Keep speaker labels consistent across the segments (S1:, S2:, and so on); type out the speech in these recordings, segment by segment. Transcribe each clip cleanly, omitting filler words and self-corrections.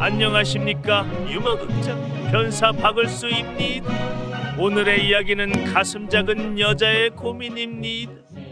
S1: 안녕하십니까, 유머극장 변사 박을수입니다. 오늘의 이야기는 가슴 작은 여자의 고민입니다.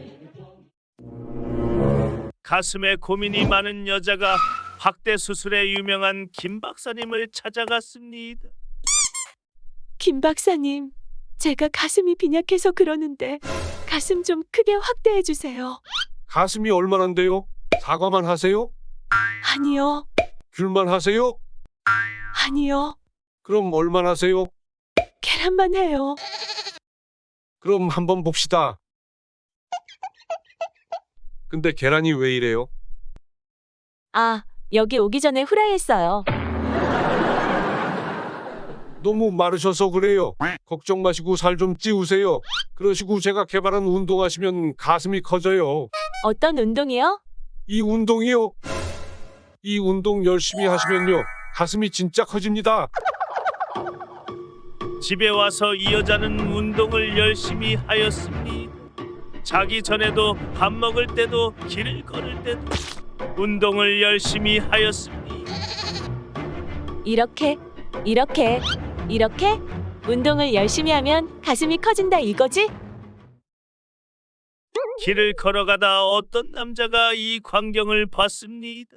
S1: 가슴에 고민이 많은 여자가 확대 수술에 유명한 김 박사님을 찾아갔습니다.
S2: 김 박사님, 제가 가슴이 빈약해서 그러는데 가슴 좀 크게 확대해 주세요.
S3: 가슴이 얼마나인데요? 사과만 하세요?
S2: 아니요,
S3: 귤만 하세요?
S2: 아니요,
S3: 그럼 얼마나 하세요?
S2: 계란만 해요.
S3: 그럼 한번 봅시다. 근데 계란이 왜 이래요?
S2: 아, 여기 오기 전에 후라이했어요.
S3: 너무 마르셔서 그래요. 걱정 마시고 살 좀 찌우세요. 그러시고 제가 개발한 운동하시면 가슴이 커져요.
S2: 어떤 운동이요?
S3: 이 운동이요. 이 운동 열심히 하시면요. 가슴이 진짜 커집니다.
S1: 집에 와서 이 여자는 운동을 열심히 하였습니다. 자기 전에도 밥 먹을 때도 길을 걸을 때도 운동을 열심히 하였습니다.
S2: 이렇게 운동을 열심히 하면 가슴이 커진다 이거지?
S1: 길을 걸어가다 어떤 남자가 이 광경을 봤습니다.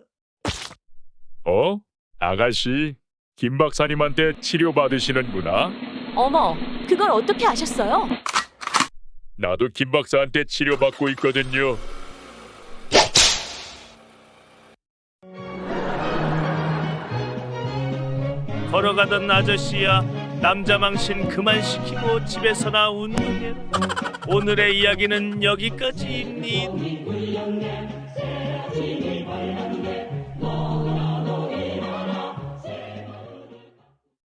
S4: 아가씨, 김 박사님한테 치료받으시는구나.
S2: 어머, 그걸 어떻게 아셨어요?
S4: 나도 김 박사한테 치료받고 있거든요.
S1: 걸어가던 아저씨야, 남자 망신 그만 시키고 집에서나 운동해라. 오늘의 이야기는 여기까지입니다.